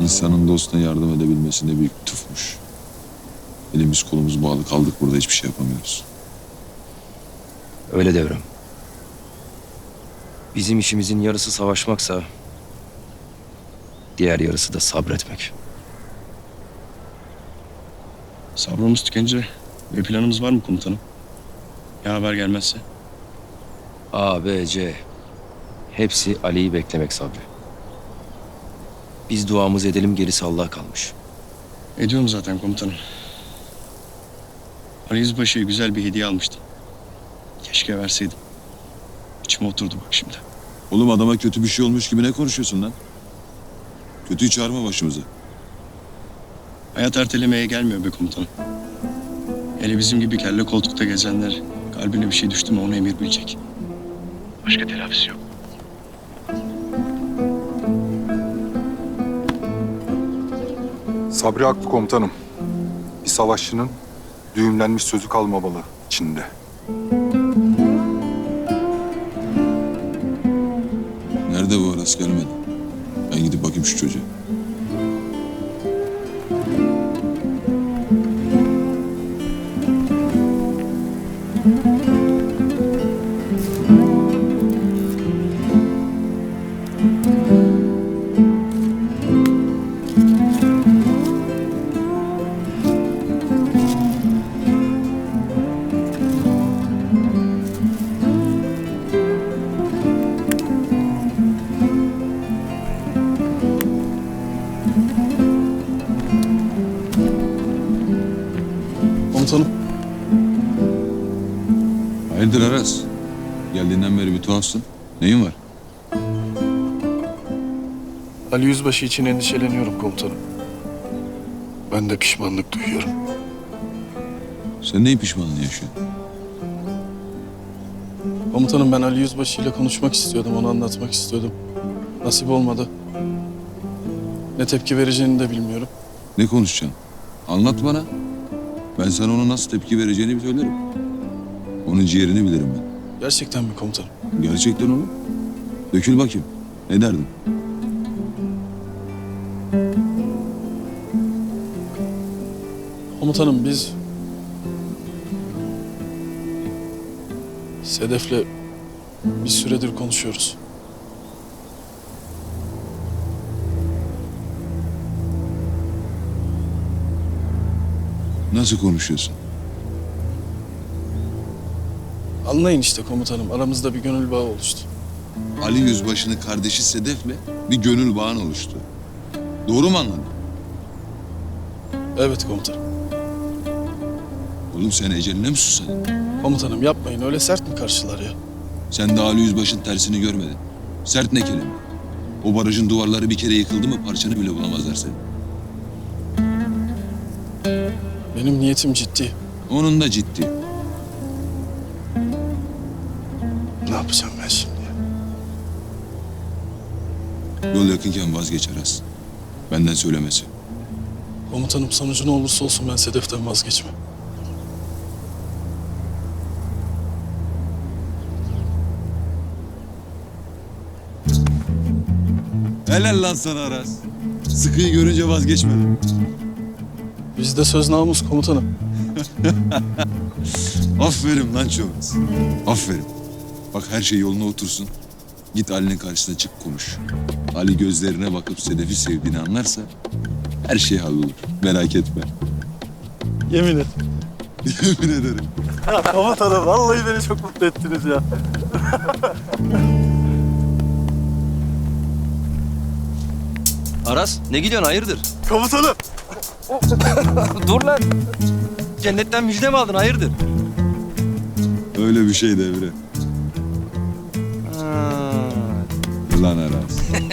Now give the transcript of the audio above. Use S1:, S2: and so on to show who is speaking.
S1: İnsanın dostuna yardım edebilmesi ne büyük lütufmuş. Elimiz kolumuz bağlı kaldık burada, hiçbir şey yapamıyoruz.
S2: Öyle Devrem. Bizim işimizin yarısı savaşmaksa diğer yarısı da sabretmek.
S3: Sabrımız tükenince bir planımız var mı komutanım? Ya haber gelmezse?
S2: A, B, C. Hepsi Ali'yi beklemek Sabri. Biz duamızı edelim, gerisi Allah'a kalmış.
S3: Ediyorum zaten komutanım. Ali Yüzbaşı'ya güzel bir hediye almıştım. Keşke verseydim. İçime oturdu bak şimdi.
S1: Oğlum, adama kötü bir şey olmuş gibi ne konuşuyorsun lan? Kötüyü çağırma başımıza.
S3: Hayat ertelemeye gelmiyor be komutanım. Hele bizim gibi kelle koltukta gezenler kalbine bir şey düştü mü onu emir bilecek. Başka telafisi yok.
S4: Sabri haklı komutanım. Bir savaşçının düğümlenmiş sözü kalmamalı içinde.
S1: Nerede bu Aras, gelmedi? Ben gidip bakayım şu çocuğa.
S3: Komutanım.
S1: Hayırdır Aras? Geldiğinden beri bir tuhafsın. Neyin var?
S5: Ali Yüzbaşı için endişeleniyorum komutanım. Ben de pişmanlık duyuyorum.
S1: Sen neyin pişmanlığı yaşıyorsun?
S5: Komutanım, ben Ali Yüzbaşı ile konuşmak istiyordum, onu anlatmak istiyordum. Nasip olmadı. Ne tepki vereceğini de bilmiyorum.
S1: Ne konuşacaksın? Anlat bana. Ben sana ona nasıl tepki vereceğini söylerim. Onun ciğerini bilirim ben.
S5: Gerçekten mi komutanım?
S1: Gerçekten oğlum. Dökül bakayım. Ne derdin?
S5: Komutanım, biz Sedef'le bir süredir konuşuyoruz.
S1: Nasıl konuşuyorsun?
S5: Anlayın işte komutanım, aramızda bir gönül bağı oluştu.
S1: Ali Yüzbaşı'nın kardeşi Sedef'le bir gönül bağın oluştu. Doğru mu anladın?
S5: Evet komutanım.
S1: Oğlum, sen eceline mi susadın?
S5: Komutanım yapmayın, öyle sert mi karşılar ya?
S1: Sen de Ali Yüzbaşı'nın tersini görmedin. Sert ne kelime? O barajın duvarları bir kere yıkıldı mı parçanı bile bulamazlar seni.
S5: Benim niyetim ciddi.
S1: Onun da ciddi.
S5: Ne yapacağım ben şimdi ya?
S1: Yol yakınken vazgeç Aras. Benden söylemesi.
S5: Komutanım, sonucu ne olursa olsun ben Sedef'ten vazgeçmem.
S1: Helal lan sana Aras. Sıkıyı görünce vazgeçmedin.
S5: Bizde söz namus komutanım.
S1: Aferin lan Çoğuz. Aferin. Bak, her şey yoluna otursun. Git Ali'nin karşısına çık, konuş. Ali gözlerine bakıp Sedef'i sevdiğini anlarsa her şey hallolur. Merak etme.
S5: Yemin et.
S1: Yemin ederim.
S5: Komutanım, vallahi beni çok mutlu ettiniz ya.
S2: Aras, ne gidiyorsun, hayırdır?
S5: Komutanım.
S2: Dur lan. Cennetten müjde mi aldın, hayırdır?
S1: Öyle bir şey Devre.
S2: Ha.
S1: Lan Aras.